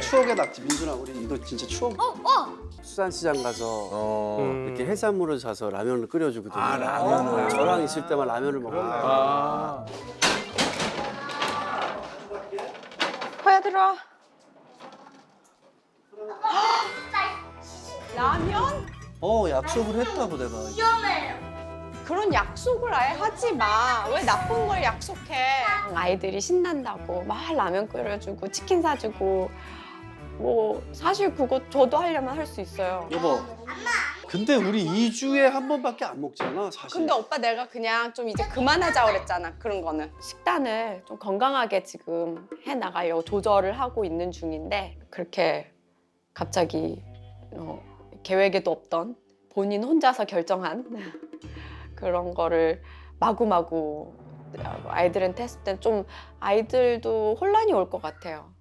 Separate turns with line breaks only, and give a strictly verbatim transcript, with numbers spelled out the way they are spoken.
추억의 낙지. 민준아, 우리 이거 진짜 추억.
어, 어.
수산시장 가서
어.
음.
이렇게 해산물을 사서 라면을 끓여주거든요.
아, 라면을.
저랑 있을 때만 라면을 먹어요.
아.
호야 들어와. 라면?
어, 약속을 했다고 내가.
그런 약속을 아예 하지 마. 왜 나쁜 걸 약속해? 아이들이 신난다고 막 라면 끓여주고 치킨 사주고 뭐 사실 그거 저도 하려면 할 수 있어요.
여보. 근데 우리 이 주에 한 번밖에 안 먹잖아, 사실.
근데 오빠 내가 그냥 좀 이제 그만하자 그랬잖아. 그런 거는 식단을 좀 건강하게 지금 해 나가려고 조절을 하고 있는 중인데 그렇게 갑자기 어, 계획에도 없던 본인 혼자서 결정한 그런 거를 마구마구 아이들한테 했을 땐 좀 아이들도 혼란이 올 것 같아요.